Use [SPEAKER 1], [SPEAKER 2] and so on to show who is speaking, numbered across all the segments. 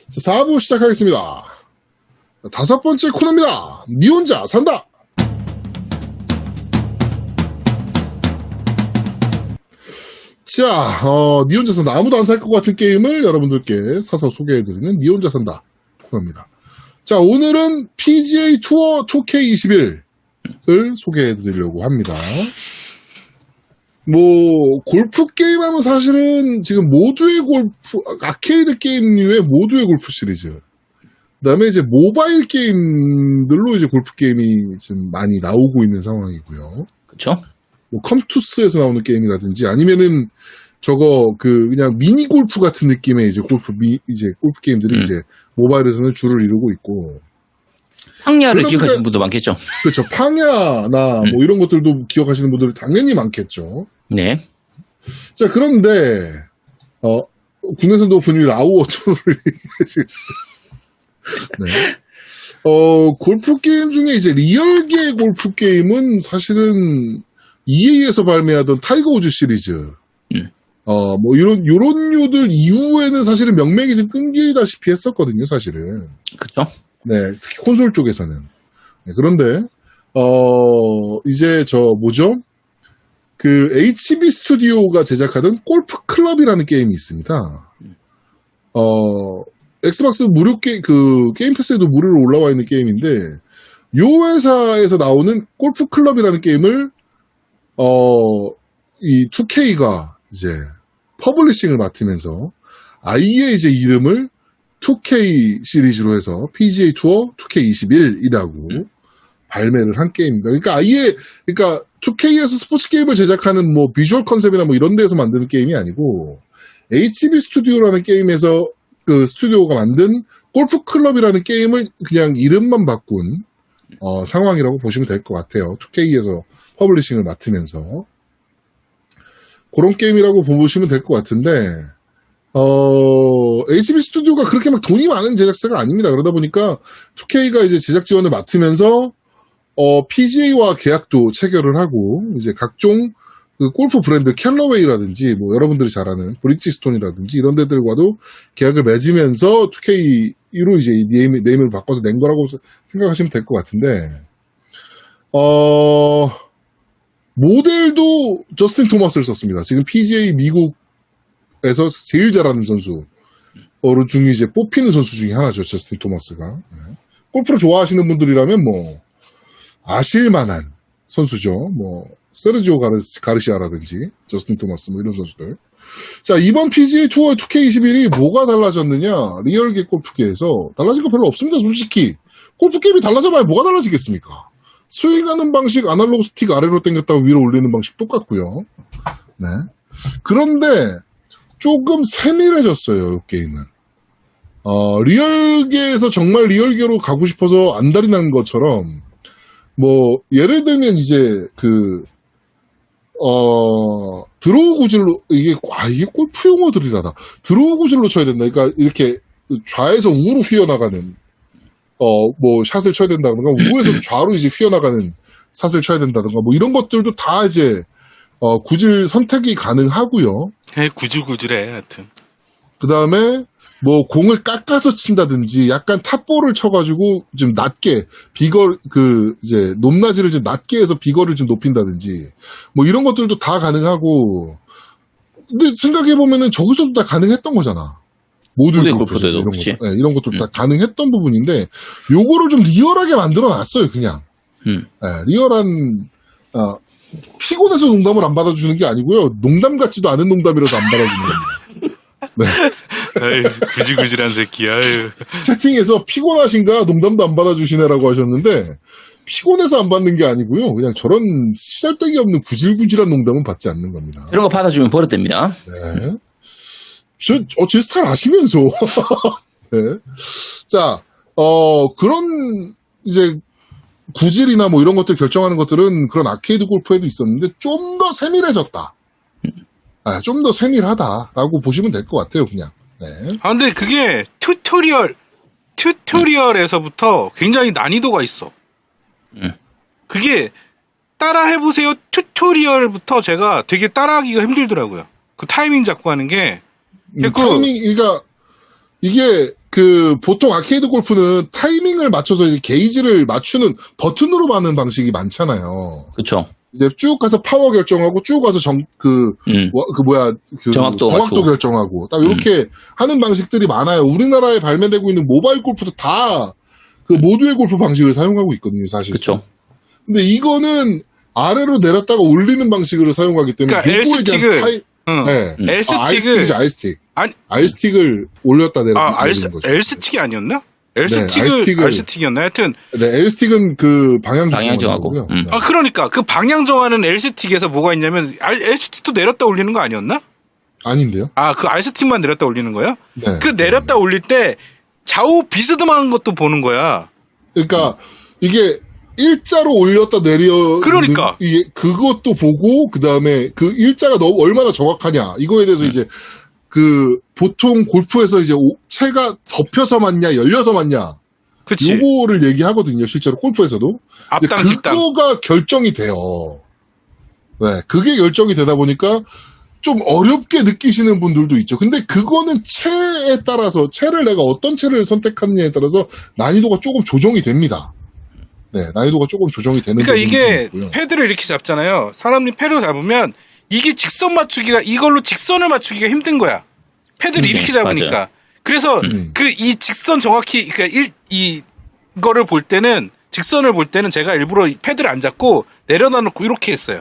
[SPEAKER 1] 자, 4부 시작하겠습니다. 다섯 번째 코너입니다. 니 혼자 산다. 자, 니 혼자 산다. 아무도 안 살 것 같은 게임을 여러분들께 사서 소개해드리는 니 혼자 산다 코너입니다. 자, 오늘은 PGA 투어 2K21을 소개해드리려고 합니다. 뭐, 골프 게임 하면 사실은 지금 모두의 골프, 아케이드 게임류의 모두의 골프 시리즈. 그 다음에 이제 모바일 게임들로 이제 골프 게임이 지금 많이 나오고 있는 상황이고요.
[SPEAKER 2] 그쵸?
[SPEAKER 1] 뭐, 컴투스에서 나오는 게임이라든지 아니면은 저거 그냥 미니 골프 같은 느낌의 이제 골프 게임들이 이제 모바일에서는 줄을 이루고 있고.
[SPEAKER 2] 황야를 기억하시는 분도 많겠죠?
[SPEAKER 1] 그렇죠. 팡야나 뭐 이런 것들도 기억하시는 분들이 당연히 많겠죠.
[SPEAKER 2] 네.
[SPEAKER 1] 자, 그런데, 국내선도 오픈 1 아우어2를 네. 골프 게임 중에 이제 리얼계 골프 게임은 사실은 EA에서 발매하던 타이거 우즈 시리즈. 뭐 요런 류들 이후에는 사실은 명맥이 좀 끊기다시피 했었거든요, 사실은.
[SPEAKER 2] 그쵸?
[SPEAKER 1] 네, 특히 콘솔 쪽에서는. 네, 그런데, 이제 뭐죠? 그 HB 스튜디오가 제작하던 골프 클럽이라는 게임이 있습니다. 엑스박스 무료 게임 패스에도 무료로 올라와 있는 게임인데, 요 회사에서 나오는 골프 클럽이라는 게임을, 이 2K가 이제 퍼블리싱을 맡으면서 아예 이제 이름을 2K 시리즈로 해서 PGA 투어 2K21이라고 발매를 한 게임입니다. 그러니까 2K에서 스포츠 게임을 제작하는 뭐 비주얼 컨셉이나 뭐 이런 데에서 만드는 게임이 아니고 HB 스튜디오라는 게임에서 그 스튜디오가 만든 골프 클럽이라는 게임을 그냥 이름만 바꾼 상황이라고 보시면 될 것 같아요. 2K에서 퍼블리싱을 맡으면서 그런 게임이라고 보시면 될 것 같은데 HB 스튜디오가 그렇게 막 돈이 많은 제작사가 아닙니다. 그러다 보니까 2K가 이제 제작 지원을 맡으면서 PGA와 계약도 체결을 하고 이제 각종 그 골프 브랜드 캘러웨이라든지 뭐 여러분들이 잘 아는 브리지스톤이라든지 이런 데들과도 계약을 맺으면서 2K로 이제 네임을 바꿔서 낸 거라고 생각하시면 될 것 같은데 모델도 저스틴 토마스를 썼습니다. 지금 PGA 미국에서 제일 잘하는 선수 중에 이제 뽑히는 선수 중에 하나죠. 저스틴 토마스가. 네. 골프를 좋아하시는 분들이라면 뭐 아실만한 선수죠. 뭐 세르지오 가르시아라든지 저스틴 토마스 뭐 이런 선수들. 자, 이번 PGA 투어 2K21이 뭐가 달라졌느냐? 리얼계 골프계에서 달라진 거 별로 없습니다. 솔직히 골프 게임이 달라져봐야 뭐가 달라지겠습니까? 스윙하는 방식 아날로그 스틱 아래로 당겼다가 위로 올리는 방식 똑같고요. 네. 그런데 조금 세밀해졌어요. 이 게임은. 리얼계에서 정말 리얼계로 가고 싶어서 안달이 난 것처럼 뭐 예를 들면 이제 드로우 구질로 이게 골프 용어들이라다. 드로우 구질로 쳐야 된다. 그러니까 이렇게 좌에서 우로 휘어나가는 뭐 샷을 쳐야 된다든가 우에서 좌로 이제 휘어나가는 샷을 쳐야 된다든가 뭐 이런 것들도 다 이제 구질 선택이 가능하고요.
[SPEAKER 3] 구질구질해 하여튼.
[SPEAKER 1] 그 다음에 뭐 공을 깎아서 친다든지 약간 탑볼을 쳐가지고 좀 낮게 이제 높낮이를 좀 낮게 해서 비거를 좀 높인다든지 뭐 이런 것들도 다 가능하고 근데 생각해보면은 저기서도 다 가능했던 거잖아. 모두의 골프도 이런 것도 다 가능했던 부분인데 요거를 좀 리얼하게 만들어 놨어요. 그냥 네, 리얼한 피곤해서 농담을 안 받아주는 게 아니고요. 농담 같지도 않은 농담이라도 안 받아주는 겁니다. 네.
[SPEAKER 3] 아유, 구질구질한 새끼야. 아유.
[SPEAKER 1] 채팅에서 피곤하신가 농담도 안 받아주시네라고 하셨는데 피곤해서 안 받는 게 아니고요. 그냥 저런 시잘데기 없는 구질구질한 농담은 받지 않는 겁니다.
[SPEAKER 2] 이런 거 받아주면 버릇됩니다.
[SPEAKER 1] 네. 제 스타일 아시면서. 네. 자, 그런 이제 구질이나 뭐 이런 것들 결정하는 것들은 그런 아케이드 골프에도 있었는데 좀 더 세밀해졌다. 좀 더 세밀하다라고 보시면 될 것 같아요, 그냥. 네.
[SPEAKER 3] 근데 그게 튜토리얼에서부터 굉장히 난이도가 있어. 그게 따라 해보세요 튜토리얼부터 제가 되게 따라하기가 힘들더라고요. 그 타이밍 잡고 하는 게.
[SPEAKER 1] 타이밍, 그러니까 이게 보통 아케이드 골프는 타이밍을 맞춰서 이제 게이지를 맞추는 버튼으로 받는 방식이 많잖아요.
[SPEAKER 2] 그쵸.
[SPEAKER 1] 이제 쭉 가서 파워 결정하고 쭉 가서
[SPEAKER 2] 정확도 맞추고.
[SPEAKER 1] 결정하고 딱 이렇게 하는 방식들이 많아요. 우리나라에 발매되고 있는 모바일 골프도 다 그 모두의 골프 방식을 사용하고 있거든요, 사실.
[SPEAKER 2] 그쵸.
[SPEAKER 1] 근데 이거는 아래로 내렸다가 올리는 방식으로 사용하기 때문에
[SPEAKER 3] 그러니까
[SPEAKER 1] 요거에 대한
[SPEAKER 3] 응. L스틱을
[SPEAKER 1] R스틱이죠, R스틱.
[SPEAKER 3] 아니
[SPEAKER 1] R스틱을 올렸다 내렸다 올리는 거죠.
[SPEAKER 3] L스틱이 아니었나?
[SPEAKER 1] R스틱을
[SPEAKER 3] R스틱이었나? 하여튼
[SPEAKER 1] 네, L스틱은 그 방향
[SPEAKER 2] 방향 정하고.
[SPEAKER 1] 거고요.
[SPEAKER 2] 음.
[SPEAKER 1] 네.
[SPEAKER 3] 그러니까 그 방향 정하는 L스틱에서 뭐가 있냐면 L스틱도 내렸다 올리는 거 아니었나?
[SPEAKER 1] 아닌데요?
[SPEAKER 3] 그 R스틱만 내렸다 올리는 거야?
[SPEAKER 1] 네.
[SPEAKER 3] 그 내렸다 올릴 때 좌우 비스듬한 것도 보는 거야.
[SPEAKER 1] 그러니까 이게 일자로 올렸다 내려
[SPEAKER 3] 그러니까.
[SPEAKER 1] 이게 그것도 보고 그다음에 그 일자가 너무 얼마나 정확하냐 이거에 대해서 이제 보통 골프에서 이제 채가 덮여서 맞냐 열려서 맞냐
[SPEAKER 3] 그치.
[SPEAKER 1] 요거를 얘기하거든요. 실제로 골프에서도.
[SPEAKER 3] 앞당,
[SPEAKER 1] 근데
[SPEAKER 3] 뒷당.
[SPEAKER 1] 그거가 결정이 돼요. 네, 그게 결정이 되다 보니까 좀 어렵게 느끼시는 분들도 있죠. 근데 그거는 채에 따라서 채를 내가 어떤 채를 선택하느냐에 따라서 난이도가 조금 조정이 됩니다. 네, 난이도가 조금 조정이 되는
[SPEAKER 3] 그러니까
[SPEAKER 1] 부분이
[SPEAKER 3] 이게
[SPEAKER 1] 있고요.
[SPEAKER 3] 패드를 이렇게 잡잖아요. 사람이 패드를 잡으면 이게 직선 맞추기가 이걸로 직선을 맞추기가 힘든 거야. 패드를 이렇게 잡으니까.
[SPEAKER 2] 맞아요.
[SPEAKER 3] 그래서 이 직선 정확히 그러니까 이거를 볼 때는 직선을 볼 때는 제가 일부러 패드를 안 잡고 내려다 놓고 이렇게 했어요.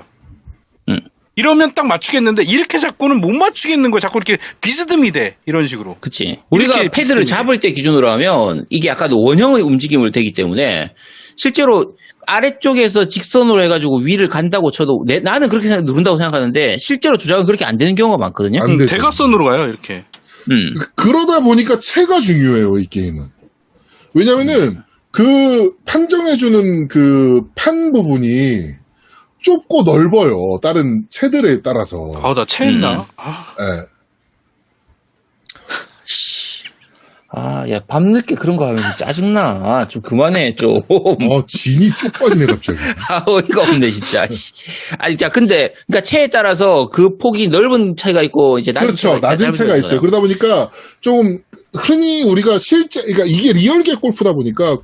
[SPEAKER 3] 이러면 딱 맞추겠는데 이렇게 잡고는 못 맞추겠는 거야. 자꾸 이렇게 비스듬히 돼. 이런 식으로.
[SPEAKER 2] 그치. 우리가
[SPEAKER 3] 이렇게
[SPEAKER 2] 패드를
[SPEAKER 3] 비스듬히
[SPEAKER 2] 잡을 때 기준으로 하면 이게 약간 원형의 움직임을 되기 때문에 실제로 아래쪽에서 직선으로 해가지고 위를 간다고 쳐도 나는 그렇게 누른다고 생각하는데 실제로 조작은 그렇게 안 되는 경우가 많거든요.
[SPEAKER 1] 안 되죠.
[SPEAKER 3] 대각선으로 가요. 이렇게.
[SPEAKER 1] 그러다 보니까 채가 중요해요, 이 게임은. 왜냐면은 그 판정해주는 그 판 부분이 좁고 넓어요. 다른 채들에 따라서.
[SPEAKER 3] 나 체했나?
[SPEAKER 1] 네.
[SPEAKER 2] 야, 밤늦게 그런 거 하면 짜증나. 좀 그만해, 좀.
[SPEAKER 1] 진이 쪽 빠지네, 갑자기.
[SPEAKER 2] 어이가 없네, 진짜. 아니, 자, 그러니까 채에 따라서 그 폭이 넓은 차이가 있고, 이제 낮은
[SPEAKER 1] 그렇죠.
[SPEAKER 2] 차이가
[SPEAKER 1] 낮은 채가 있어요. 그러다 보니까 좀 흔히 우리가 그러니까 이게 리얼계 골프다 보니까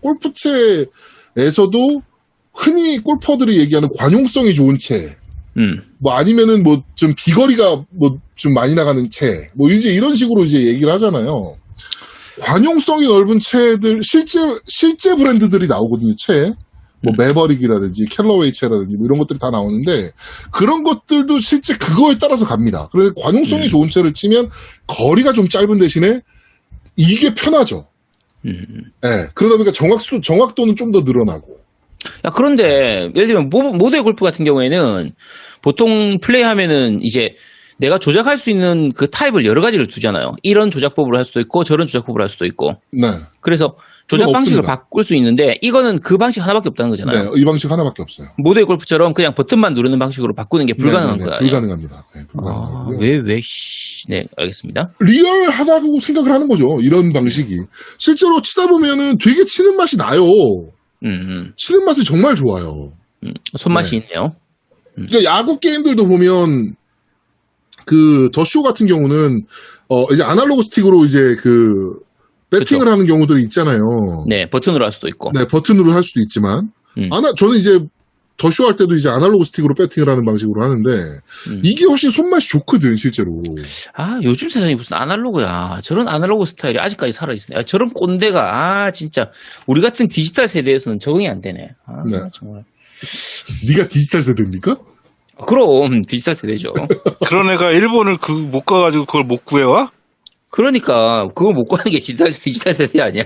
[SPEAKER 1] 골프채에서도 흔히 골퍼들이 얘기하는 관용성이 좋은 채. 뭐 아니면은 뭐 좀 비거리가 뭐 좀 많이 나가는 채. 뭐 이제 이런 식으로 이제 얘기를 하잖아요. 관용성이 넓은 채들, 실제 브랜드들이 나오거든요, 채. 뭐, 매버릭이라든지, 캘러웨이 채라든지, 뭐 이런 것들이 다 나오는데, 그런 것들도 실제 그거에 따라서 갑니다. 그래서 관용성이 좋은 채를 치면, 거리가 좀 짧은 대신에, 이게 편하죠. 네, 그러다 보니까 정확도는 좀 더 늘어나고.
[SPEAKER 2] 야, 그런데, 예를 들면, 모드의 골프 같은 경우에는, 보통 플레이하면은, 이제, 내가 조작할 수 있는 그 타입을 여러 가지를 두잖아요. 이런 조작법으로 할 수도 있고, 저런 조작법으로 할 수도 있고.
[SPEAKER 1] 네.
[SPEAKER 2] 그래서 조작 방식을
[SPEAKER 1] 없습니다.
[SPEAKER 2] 바꿀 수 있는데, 이거는 그 방식 하나밖에 없다는 거잖아요.
[SPEAKER 1] 네, 이 방식 하나밖에 없어요.
[SPEAKER 2] 모드의 골프처럼 그냥 버튼만 누르는 방식으로 바꾸는 게 불가능한
[SPEAKER 1] 네,
[SPEAKER 2] 거예요.
[SPEAKER 1] 불가능합니다. 네, 불가능하고요.
[SPEAKER 2] 네, 알겠습니다.
[SPEAKER 1] 리얼하다고 생각을 하는 거죠. 이런 방식이. 실제로 치다 보면은 되게 치는 맛이 나요. 치는 맛이 정말 좋아요.
[SPEAKER 2] 손맛이 있네요.
[SPEAKER 1] 그러니까 야구 게임들도 보면 그 더쇼 같은 경우는 이제 아날로그 스틱으로 이제 그 배팅을
[SPEAKER 2] 그쵸.
[SPEAKER 1] 하는 경우들이 있잖아요.
[SPEAKER 2] 네, 버튼으로 할 수도 있고.
[SPEAKER 1] 네, 버튼으로 할 수도 있지만 저는 이제 더쇼 할 때도 이제 아날로그 스틱으로 배팅을 하는 방식으로 하는데 이게 훨씬 손맛이 좋거든, 실제로.
[SPEAKER 2] 요즘 세상이 무슨 아날로그야. 저런 아날로그 스타일이 아직까지 살아있으네. 저런 꼰대가, 진짜. 우리 같은 디지털 세대에서는 적응이 안 되네.
[SPEAKER 1] 네.
[SPEAKER 2] 정말.
[SPEAKER 1] 네가 디지털 세대입니까?
[SPEAKER 2] 그럼, 디지털 세대죠.
[SPEAKER 3] 그런 애가 일본을 못 가가지고 그걸 못 구해와?
[SPEAKER 2] 그러니까, 그거 못 가는 게 디지털 세대 아니야.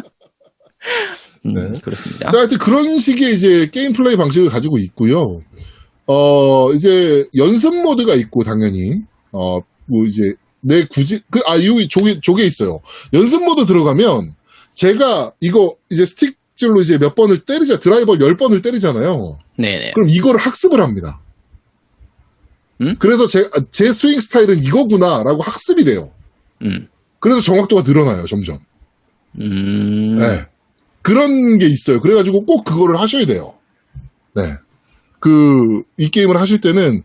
[SPEAKER 1] 네.
[SPEAKER 2] 그렇습니다.
[SPEAKER 1] 자, 하여튼 그런 식의 이제 게임 플레이 방식을 가지고 있고요. 이제 연습 모드가 있고, 당연히. 뭐 이제, 여기 조개 있어요. 연습 모드 들어가면, 제가 이거 이제 스틱질로 이제 몇 번을 드라이버 10번을 때리잖아요.
[SPEAKER 2] 네네.
[SPEAKER 1] 그럼 이거를 학습을 합니다. 그래서 제 스윙 스타일은 이거구나라고 학습이 돼요. 그래서 정확도가 늘어나요, 점점. 네. 그런 게 있어요. 그래가지고 꼭 그거를 하셔야 돼요. 네. 이 게임을 하실 때는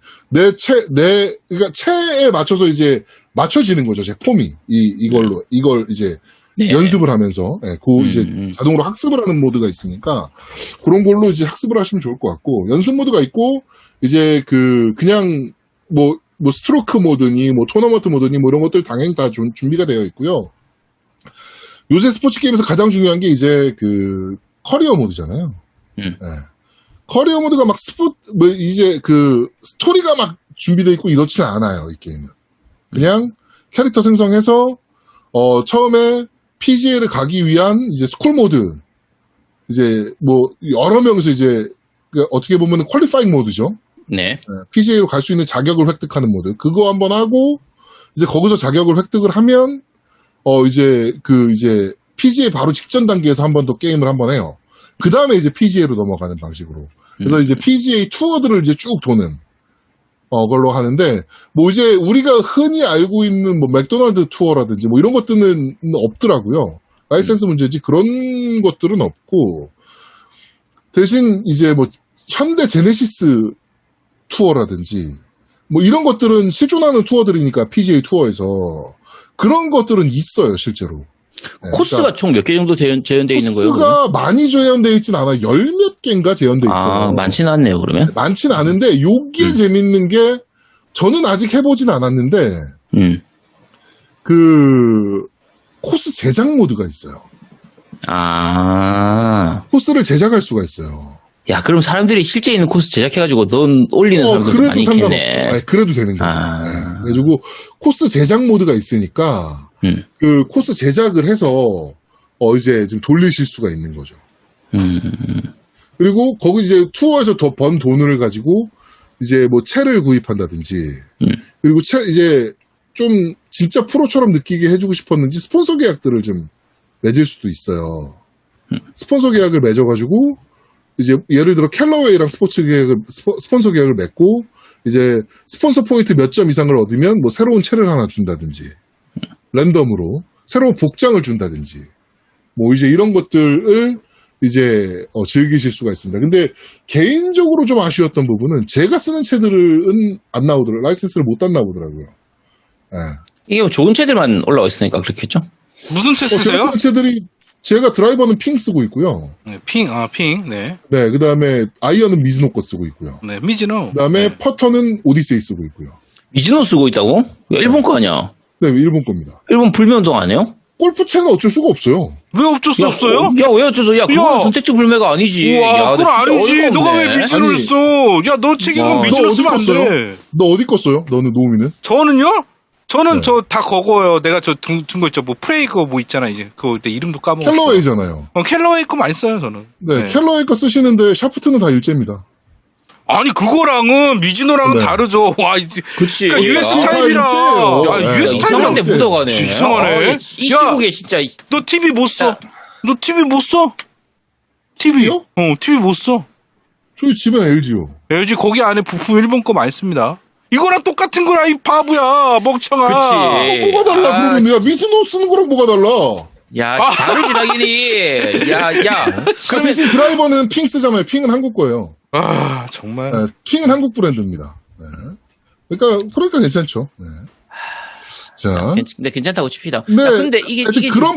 [SPEAKER 1] 그러니까 채에 맞춰서 이제 맞춰지는 거죠, 제 폼이. 이걸 이제
[SPEAKER 2] 네.
[SPEAKER 1] 연습을 하면서 이제 자동으로 학습을 하는 모드가 있으니까 그런 걸로 이제 학습을 하시면 좋을 것 같고 연습 모드가 있고 이제 그냥 뭐 스트로크 모드니 뭐 토너먼트 모드니 뭐 이런 것들 당연히 다 준비가 되어 있고요. 요새 스포츠 게임에서 가장 중요한 게 이제 커리어 모드잖아요. 커리어 모드가 막 이제 스토리가 막 준비되어 있고 이렇지는 않아요, 이 게임은. 그냥 캐릭터 생성해서 처음에 PGA를 가기 위한 이제 스쿨 모드, 이제 뭐 여러 명이서 이제 어떻게 보면 퀄리파잉 모드죠.
[SPEAKER 2] 네.
[SPEAKER 1] PGA로 갈 수 있는 자격을 획득하는 모드. 그거 한번 하고 이제 거기서 자격을 획득을 하면 이제 이제 PGA 바로 직전 단계에서 한 번 더 게임을 한번 해요. 그 다음에 이제 PGA로 넘어가는 방식으로. 그래서 이제 PGA 투어들을 이제 쭉 도는 걸로 하는데, 뭐 이제 우리가 흔히 알고 있는 뭐 맥도날드 투어라든지 뭐 이런 것들은 없더라고요. 라이센스 문제지 그런 것들은 없고, 대신 이제 뭐 현대 제네시스 투어라든지 뭐 이런 것들은 실존하는 투어들이니까 PGA 투어에서 그런 것들은 있어요, 실제로.
[SPEAKER 2] 코스가
[SPEAKER 1] 그러니까
[SPEAKER 2] 총 몇 개 정도 재현되어 있는 거예요?
[SPEAKER 1] 코스가 많이 재현되어 있진 않아요. 열 몇 개인가 재현되어 있어요.
[SPEAKER 2] 많지는 않네요, 그러면.
[SPEAKER 1] 많진 않은데 요게 재밌는 게 저는 아직 해보진 않았는데 코스 제작 모드가 있어요. 코스를 제작할 수가 있어요.
[SPEAKER 2] 야, 그럼 사람들이 실제 있는 코스 제작해가지고 넌 올리는 사람들도 많이 있겠네.
[SPEAKER 1] 아니, 그래도 되는 거죠. 그래가지고 코스 제작 모드가 있으니까 코스 제작을 해서 이제 지금 돌리실 수가 있는 거죠. 그리고 거기 이제 투어에서 더 번 돈을 가지고 이제 뭐 채를 구입한다든지 그리고 이제 좀 진짜 프로처럼 느끼게 해주고 싶었는지 스폰서 계약들을 좀 맺을 수도 있어요. 스폰서 계약을 맺어가지고 이제 예를 들어 캘러웨이랑 스폰서 계약을 맺고 이제 스폰서 포인트 몇 점 이상을 얻으면 뭐 새로운 채를 하나 준다든지 랜덤으로 새로운 복장을 준다든지 뭐 이제 이런 것들을 이제 즐기실 수가 있습니다. 근데 개인적으로 좀 아쉬웠던 부분은 제가 쓰는 채들은 안 나오더라고요. 라이센스를 못 안 나오더라고요.
[SPEAKER 2] 이게 뭐 좋은 채들만 올라와 있으니까 그렇겠죠?
[SPEAKER 3] 무슨 채
[SPEAKER 1] 제가
[SPEAKER 3] 쓰세요?
[SPEAKER 1] 쓰는 채들이 제가 드라이버는 핑 쓰고 있고요.
[SPEAKER 3] 네, 네.
[SPEAKER 1] 네, 그 다음에 아이언은 미즈노 거 쓰고 있고요.
[SPEAKER 3] 네, 미즈노.
[SPEAKER 1] 그 다음에
[SPEAKER 3] 네.
[SPEAKER 1] 퍼터는 오디세이 쓰고 있고요.
[SPEAKER 2] 미즈노 쓰고 있다고? 일본 거 아니야?
[SPEAKER 1] 네, 일본 겁니다.
[SPEAKER 2] 일본 불매운동 안 해요?
[SPEAKER 1] 골프채는 어쩔 수가 없어요.
[SPEAKER 3] 왜 어쩔 수 없어요?
[SPEAKER 2] 야, 왜 어쩔 수? 야, 그건 선택적 불매가 아니지.
[SPEAKER 3] 우와,
[SPEAKER 2] 야,
[SPEAKER 3] 그건
[SPEAKER 2] 나 진짜
[SPEAKER 3] 아니지.
[SPEAKER 2] 어이가
[SPEAKER 3] 너가
[SPEAKER 2] 없네.
[SPEAKER 3] 왜 미즈노를
[SPEAKER 1] 아니.
[SPEAKER 3] 써? 야, 너 책임은
[SPEAKER 2] 와.
[SPEAKER 3] 미즈노
[SPEAKER 1] 너
[SPEAKER 3] 쓰면 안
[SPEAKER 1] 어디 껐어요?
[SPEAKER 3] 돼.
[SPEAKER 1] 너 어디 껐어요? 너는 노우미는?
[SPEAKER 3] 저는요? 저는
[SPEAKER 1] 네.
[SPEAKER 3] 저 다 그거요. 내가 저 둔 거 있죠. 뭐 프레이 그거 뭐 있잖아 이제. 그거 내 이름도 까먹었어.
[SPEAKER 1] 캘러웨이잖아요.
[SPEAKER 3] 캘러웨이 거 많이 써요 저는.
[SPEAKER 1] 네, 캘러웨이 거 쓰시는데 샤프트는 다 일제입니다.
[SPEAKER 3] 아니 그거랑은 미즈노랑은
[SPEAKER 1] 네.
[SPEAKER 3] 다르죠. 와, 이제.
[SPEAKER 2] 그치.
[SPEAKER 3] 그러니까 US
[SPEAKER 1] 아,
[SPEAKER 3] 타입이라.
[SPEAKER 1] 일제예요.
[SPEAKER 3] 야,
[SPEAKER 1] 네,
[SPEAKER 3] US
[SPEAKER 2] 이상한 데
[SPEAKER 3] 타입이랑
[SPEAKER 2] 묻어가네.
[SPEAKER 3] 이상하네.
[SPEAKER 2] 이 시국에 진짜.
[SPEAKER 3] 너 TV 못 써.
[SPEAKER 2] 야.
[SPEAKER 3] 너 TV 못 써?
[SPEAKER 1] TV요?
[SPEAKER 3] TV 못 써.
[SPEAKER 1] 저희 집엔 LG요.
[SPEAKER 3] LG 거기 안에 부품 일본 거 많이 씁니다. 이거랑 똑같은 거라 이 바보야 멍청아.
[SPEAKER 2] 그치.
[SPEAKER 1] 뭐가 달라 그러면 야 미즈노 쓰는 거랑 뭐가 달라?
[SPEAKER 2] 야, 다르지, 당연히. 야.
[SPEAKER 1] 그 대신 드라이버는 핑 쓰잖아요. 핑은 한국 거예요.
[SPEAKER 3] 아 정말.
[SPEAKER 1] 네, 핑은 한국 브랜드입니다. 네. 그러니까 괜찮죠. 네. 자,
[SPEAKER 2] 근데 괜찮다고 칩시다.
[SPEAKER 1] 네,
[SPEAKER 2] 야, 근데 이게
[SPEAKER 1] 그런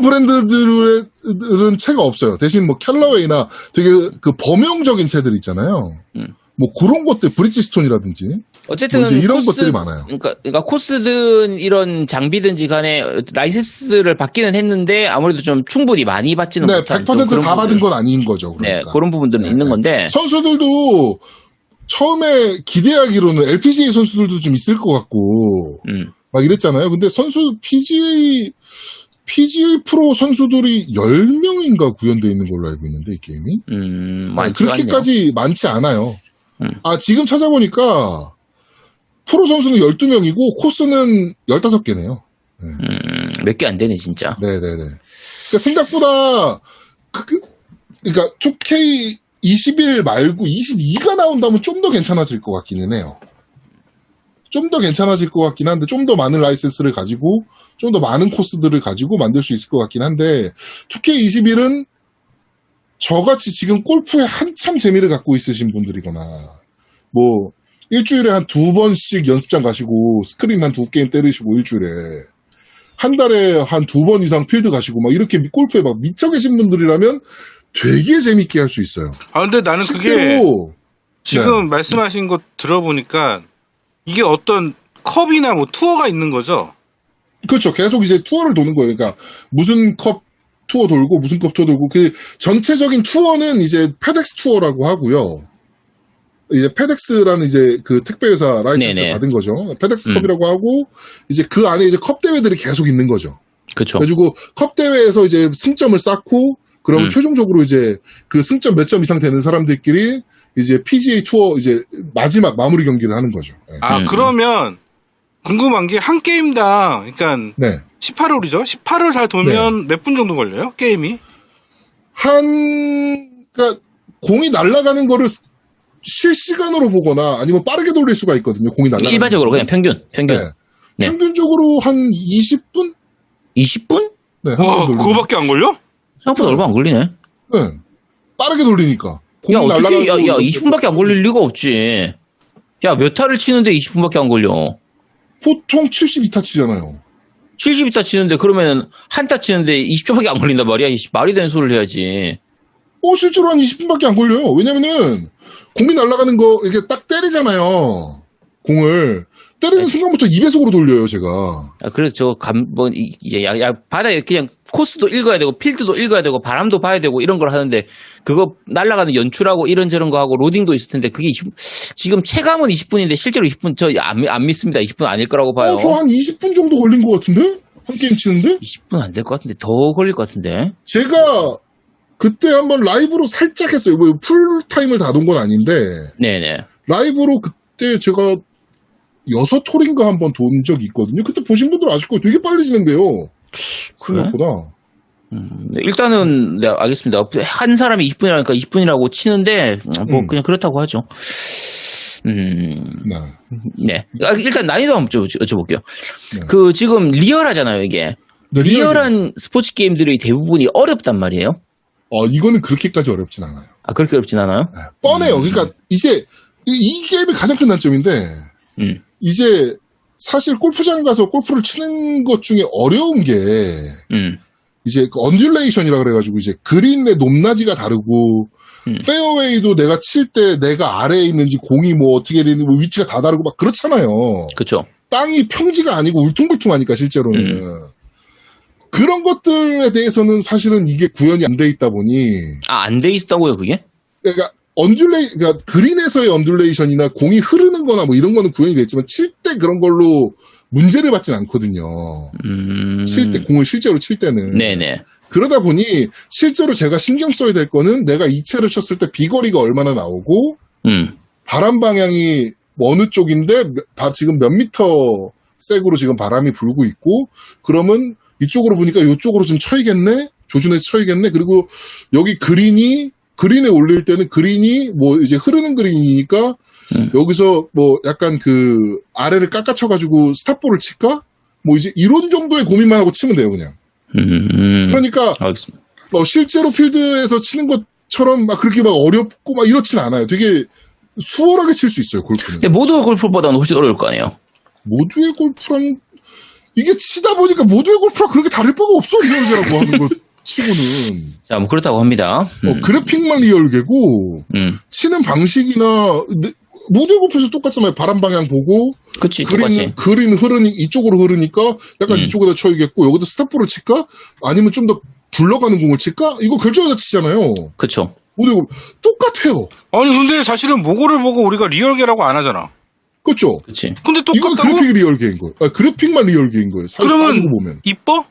[SPEAKER 1] 브랜드들은 채가 없어요. 대신 뭐 캘러웨이나 되게 그 범용적인 채들 있잖아요. 뭐 그런 것들 브리지스톤이라든지
[SPEAKER 2] 어쨌든
[SPEAKER 1] 뭐 이제 이런 것들이 많아요.
[SPEAKER 2] 그러니까 코스든 이런 장비든지 간에 라이센스를 받기는 했는데 아무래도 좀 충분히 많이 받지는
[SPEAKER 1] 네,
[SPEAKER 2] 못한
[SPEAKER 1] 100%다 받은 건 아닌 거죠.
[SPEAKER 2] 네,
[SPEAKER 1] 그러니까.
[SPEAKER 2] 그런 부분들은 있는 건데
[SPEAKER 1] 선수들도 처음에 기대하기로는 LPGA 선수들도 좀 있을 것 같고 막 이랬잖아요. 근데 PGA 프로 선수들이 10명인가 구현되어 있는 걸로 알고 있는데 이 게임이 그렇게까지 많지 않아요. 지금 찾아보니까 프로 선수는 12명이고 코스는 15개네요.
[SPEAKER 2] 몇 개 안 되네 진짜.
[SPEAKER 1] 네네네. 그러니까 생각보다 그러니까 2K 21 말고 22가 나온다면 좀 더 괜찮아질 것 같기는 해요. 좀 더 괜찮아질 것 같긴 한데 좀 더 많은 라이센스를 가지고 좀 더 많은 코스들을 가지고 만들 수 있을 것 같긴 한데 2K21은 저같이 지금 골프에 한참 재미를 갖고 있으신 분들이거나 뭐 일주일에 한 2번씩 연습장 가시고 스크린 한 2게임 때리시고 일주일에 한 달에 한 2번 이상 필드 가시고 막 이렇게 골프에 막 미쳐 계신 분들이라면 되게 재밌게 할 수 있어요.
[SPEAKER 3] 아, 근데 나는 그게
[SPEAKER 1] 실제로
[SPEAKER 3] 지금
[SPEAKER 1] 네.
[SPEAKER 3] 말씀하신 거 들어보니까 이게 어떤 컵이나 뭐 투어가 있는 거죠?
[SPEAKER 1] 그렇죠. 계속 이제 투어를 도는 거예요. 그러니까 무슨 컵 투어 돌고 무슨 컵 투어 돌고 그 전체적인 투어는 이제 페덱스 투어라고 하고요. 이제 페덱스라는 이제 그 택배회사 라이센스
[SPEAKER 2] 네네.
[SPEAKER 1] 받은 거죠. 페덱스 컵이라고 하고 이제 그 안에 이제 컵 대회들이 계속 있는 거죠.
[SPEAKER 2] 그쵸.
[SPEAKER 1] 그래가지고 컵 대회에서 이제 승점을 쌓고 그럼 최종적으로 이제 그 승점 몇 점 이상 되는 사람들끼리 이제 PGA 투어 이제 마지막 마무리 경기를 하는 거죠. 네.
[SPEAKER 3] 아, 그러면 궁금한 게 한 게임당, 그러니까
[SPEAKER 1] 네.
[SPEAKER 3] 18홀이죠? 18홀 다 돌면 몇 분 정도 걸려요? 게임이?
[SPEAKER 1] 그러니까 공이 날아가는 거를 실시간으로 보거나 아니면 빠르게 돌릴 수가 있거든요. 공이 날아가는
[SPEAKER 2] 일반적으로 그냥 평균.
[SPEAKER 1] 네.
[SPEAKER 2] 네.
[SPEAKER 1] 평균적으로 한 20분?
[SPEAKER 2] 20분?
[SPEAKER 1] 네.
[SPEAKER 3] 와, 그거밖에 안 걸려?
[SPEAKER 2] 생각보다 얼마 안 걸리네.
[SPEAKER 1] 네. 빠르게 돌리니까.
[SPEAKER 2] 야,
[SPEAKER 1] 공이
[SPEAKER 2] 어떻게,
[SPEAKER 1] 날아가는
[SPEAKER 2] 야,
[SPEAKER 1] 거
[SPEAKER 2] 20분밖에 안 걸릴 리가 없지. 야, 몇 타를 치는데 20분밖에 안 걸려.
[SPEAKER 1] 보통 72타 치잖아요.
[SPEAKER 2] 72타 치는데 그러면 한 타 치는데 20초밖에 안 걸린단 말이야. 말이 되는 소리를 해야지.
[SPEAKER 1] 실제로 한 20분밖에 안 걸려요. 왜냐면은 공이 날아가는 거 이렇게 딱 때리잖아요. 공을 때리는 순간부터 2배속으로 돌려요, 제가.
[SPEAKER 2] 아, 그래서 이제 바다에 그냥 코스도 읽어야 되고, 필드도 읽어야 되고, 바람도 봐야 되고, 이런 걸 하는데, 그거 날아가는 연출하고 이런저런 거 하고, 로딩도 있을 텐데, 그게 지금 체감은 20분인데, 실제로 20분, 안 믿습니다. 20분 아닐 거라고 봐요.
[SPEAKER 1] 저 한 20분 정도 걸린 것 같은데? 한 게임 치는데?
[SPEAKER 2] 20분 안 될 것 같은데, 더 걸릴 것 같은데.
[SPEAKER 1] 제가 그때 한번 라이브로 살짝 했어요. 뭐 풀타임을 다 돈 건 아닌데,
[SPEAKER 2] 네네.
[SPEAKER 1] 라이브로 그때 제가 6홀인가 한번 돈 적이 있거든요. 그때 보신 분들 아실 거예요. 되게 빨리 진행돼요. 생각보다.
[SPEAKER 2] 네, 일단은, 네, 알겠습니다. 한 사람이 20분이라니까 20분이라고 치는데, 그냥 그렇다고 하죠.
[SPEAKER 1] 네.
[SPEAKER 2] 네. 일단 난이도 한번 여쭤볼게요.
[SPEAKER 1] 네.
[SPEAKER 2] 지금 리얼하잖아요, 이게.
[SPEAKER 1] 네,
[SPEAKER 2] 리얼한 스포츠 게임들의 대부분이 어렵단 말이에요.
[SPEAKER 1] 이거는 그렇게까지 어렵진 않아요.
[SPEAKER 2] 아, 그렇게 어렵진 않아요?
[SPEAKER 1] 네, 뻔해요. 그러니까 이제 이 게임의 가장 큰 단점인데 이제 사실 골프장 가서 골프를 치는 것 중에 어려운 게 이제 그 언듈레이션이라 그래가지고 이제 그린의 높낮이가 다르고 페어웨이도 내가 칠 때 내가 아래에 있는지 공이 뭐 어떻게 되는지 뭐 위치가 다 다르고 막 그렇잖아요.
[SPEAKER 2] 그쵸.
[SPEAKER 1] 땅이 평지가 아니고 울퉁불퉁하니까 실제로는 그런 것들에 대해서는 사실은 이게 구현이 안 돼 있다 보니
[SPEAKER 2] 아, 안 돼 있다고요, 그게?
[SPEAKER 1] 그러니까 그러니까 그린에서의 언듈레이션이나 공이 흐르는 거나 뭐 이런 거는 구현이 됐지만 칠 때 그런 걸로 문제를 받진 않거든요. 칠 때, 공을 실제로 칠 때는.
[SPEAKER 2] 네네.
[SPEAKER 1] 그러다 보니 실제로 제가 신경 써야 될 거는 내가 이 채를 쳤을 때 비거리가 얼마나 나오고 바람 방향이 어느 쪽인데 지금 몇 미터 색으로 지금 바람이 불고 있고 그러면 이쪽으로 보니까 이쪽으로 좀 쳐야겠네? 조준해서 쳐야겠네? 그리고 여기 그린에 올릴 때는 그린이 뭐 이제 흐르는 그린이니까 여기서 뭐 약간 그 아래를 깎아쳐가지고 스탑볼을 칠까? 뭐 이제 이런 정도의 고민만 하고 치면 돼요, 그냥. 그러니까
[SPEAKER 2] 알겠습니다.
[SPEAKER 1] 실제로 필드에서 치는 것처럼 막 그렇게 막 어렵고 막 이렇진 않아요. 되게 수월하게 칠 수 있어요, 골프는.
[SPEAKER 2] 근데 모두 골프보다는 훨씬 어려울 거 아니에요?
[SPEAKER 1] 모두의 골프랑 이게 치다 보니까 모두의 골프랑 그렇게 다를 바가 없어, 리얼계라고 하는 거 치고는.
[SPEAKER 2] 자, 뭐 그렇다고 합니다.
[SPEAKER 1] 그래픽만 리얼계고 치는 방식이나 모두의 골프에서 똑같잖아요. 바람 방향 보고
[SPEAKER 2] 그치, 똑같이.
[SPEAKER 1] 그린 이쪽으로 흐르니까 약간 이쪽에다 쳐야겠고 여기다 스탑볼을 칠까? 아니면 좀 더 굴러가는 공을 칠까? 이거 결정해서 치잖아요.
[SPEAKER 2] 그쵸.
[SPEAKER 1] 모두의 골프 똑같아요.
[SPEAKER 3] 아니, 근데 사실은 모고를 보고 우리가 리얼계라고 안 하잖아.
[SPEAKER 1] 그렇죠?
[SPEAKER 2] 그치.
[SPEAKER 3] 근데
[SPEAKER 1] 이건
[SPEAKER 3] 똑같다고?
[SPEAKER 1] 그래픽이 리얼계인 거예요. 그래픽만 리얼계인 거예요.
[SPEAKER 3] 그러면
[SPEAKER 1] 따지고 보면.
[SPEAKER 3] 이뻐?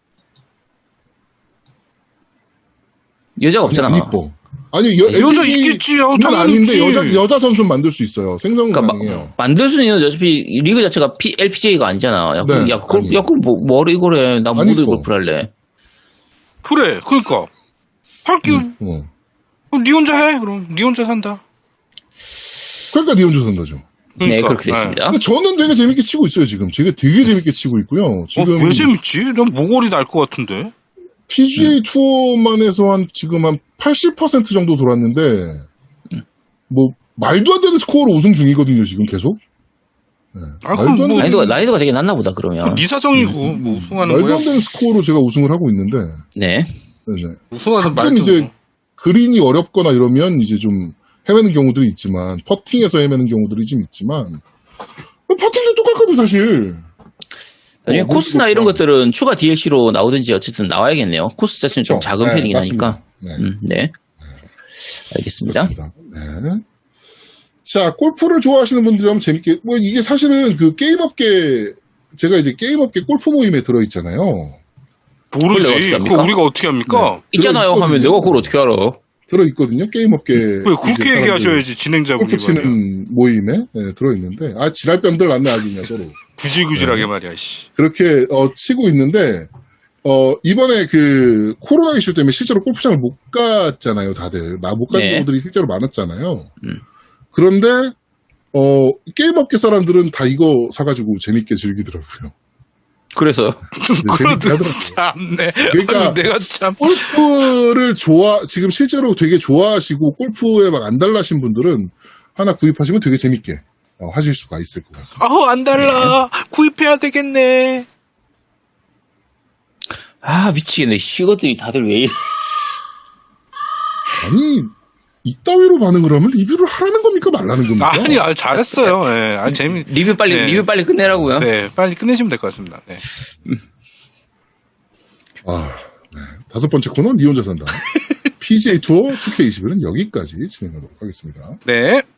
[SPEAKER 2] 여자가 없잖아.
[SPEAKER 1] 안 이뻐. 아니,
[SPEAKER 3] 여자
[SPEAKER 1] LPG
[SPEAKER 3] 있겠지요.
[SPEAKER 1] 는
[SPEAKER 3] 당연히
[SPEAKER 1] 아닌데
[SPEAKER 3] 있지.
[SPEAKER 1] 여자 선수는 만들 수 있어요. 생성은
[SPEAKER 2] 그러니까
[SPEAKER 1] 가능해요.
[SPEAKER 2] 만들 수는 있는데 어차피 리그 자체가 LPGA가 아니잖아. 야,
[SPEAKER 1] 네,
[SPEAKER 2] 그럼 뭐를 이걸 해. 나 모두
[SPEAKER 1] 아니죠.
[SPEAKER 2] 골프를 할래.
[SPEAKER 3] 그래, 그러니까. 할게. 그럼 니 혼자 해. 그럼 니 혼자 산다.
[SPEAKER 1] 그러니까 니 혼자 산다죠.
[SPEAKER 2] 네,
[SPEAKER 3] 그러니까.
[SPEAKER 2] 그렇게 됐습니다.
[SPEAKER 1] 근데 저는 되게 재밌게 치고 있어요, 지금. 제가 되게 재밌게 치고 있고요. 지금
[SPEAKER 3] 왜 재밌지? 난 모골이 날 것 같은데.
[SPEAKER 1] PGA 투어만 해서 지금 한 80% 정도 돌았는데, 뭐, 말도 안 되는 스코어로 우승 중이거든요, 지금 계속. 네.
[SPEAKER 3] 아, 그럼
[SPEAKER 1] 말도 안
[SPEAKER 3] 뭐-
[SPEAKER 1] 되는-
[SPEAKER 2] 난이도가 되게 낮나 보다, 그러면.
[SPEAKER 3] 네 사정이고 뭐 우승하는
[SPEAKER 1] 말도
[SPEAKER 3] 거야.
[SPEAKER 1] 안 되는 스코어로 제가 우승을 하고 있는데,
[SPEAKER 2] 네.
[SPEAKER 1] 네네.
[SPEAKER 3] 우승하는
[SPEAKER 1] 가끔
[SPEAKER 3] 말도
[SPEAKER 1] 이제 그린이 어렵거나 이러면 이제 좀 헤매는 경우들이 있지만, 퍼팅에서 헤매는 경우들이 좀 있지만, 퍼팅도 똑같거든, 사실.
[SPEAKER 2] 나중에 코스나
[SPEAKER 1] 뭐
[SPEAKER 2] 이런
[SPEAKER 1] 그렇구나.
[SPEAKER 2] 것들은 추가 DLC로 나오든지 어쨌든 나와야겠네요. 코스 자체는 좀
[SPEAKER 1] 그렇죠.
[SPEAKER 2] 작은
[SPEAKER 1] 네,
[SPEAKER 2] 편이긴
[SPEAKER 1] 맞습니다.
[SPEAKER 2] 하니까.
[SPEAKER 1] 네.
[SPEAKER 2] 네. 알겠습니다.
[SPEAKER 1] 그렇습니다. 네. 자, 골프를 좋아하시는 분들이라면 재밌게, 뭐, 이게 사실은 그 게임업계, 제가 이제 게임업계 골프 모임에 들어있잖아요.
[SPEAKER 3] 모르지.
[SPEAKER 2] 어떻게 합니까?
[SPEAKER 3] 그거 우리가 어떻게 합니까?
[SPEAKER 2] 있잖아요
[SPEAKER 1] 들어있거든요.
[SPEAKER 2] 하면 내가 그걸 어떻게 알아?
[SPEAKER 1] 들어있거든요. 게임업계.
[SPEAKER 3] 왜 그렇게 얘기하셔야지 진행자분이
[SPEAKER 1] 골프
[SPEAKER 3] 말이야.
[SPEAKER 1] 치는 모임에 네, 들어있는데, 아, 지랄병들 났네, 아주 그냥 서로.
[SPEAKER 3] 구질구질하게 말이야. 씨.
[SPEAKER 1] 그렇게, 치고 있는데, 이번에 그 코로나 이슈 때문에 실제로 골프장을 못 갔잖아요, 다들. 못 간
[SPEAKER 2] 네.
[SPEAKER 1] 경우들이 실제로 많았잖아요. 그런데, 게임업계 사람들은 다 이거 사가지고 재밌게 즐기더라고요.
[SPEAKER 2] 그래서
[SPEAKER 3] 그래도
[SPEAKER 1] 재밌게
[SPEAKER 3] 참네.
[SPEAKER 1] 그러니까-
[SPEAKER 3] 아니, 내가 참.
[SPEAKER 1] 골프를 지금 실제로 되게 좋아하시고 골프에 막 안달나신 분들은 하나 구입하시면 되게 재밌게 하실 수가 있을 것 같습니다.
[SPEAKER 3] 아우 안 달라. 구입해야 되겠네.
[SPEAKER 2] 미치겠네. 이것들이 다들 왜 이래?
[SPEAKER 1] 아니, 이따위로 반응을 하면 리뷰를 하라는 겁니까? 말라는 겁니까?
[SPEAKER 3] 아니, 잘했어요. 예. 아, 재미.
[SPEAKER 2] 리뷰 빨리 끝내라고요.
[SPEAKER 3] 네, 빨리 끝내시면 될 것 같습니다. 네.
[SPEAKER 1] 네. 5번째 코너, 니 혼자 산다. PGA 투어 2K21은 여기까지 진행하도록 하겠습니다.
[SPEAKER 3] 네.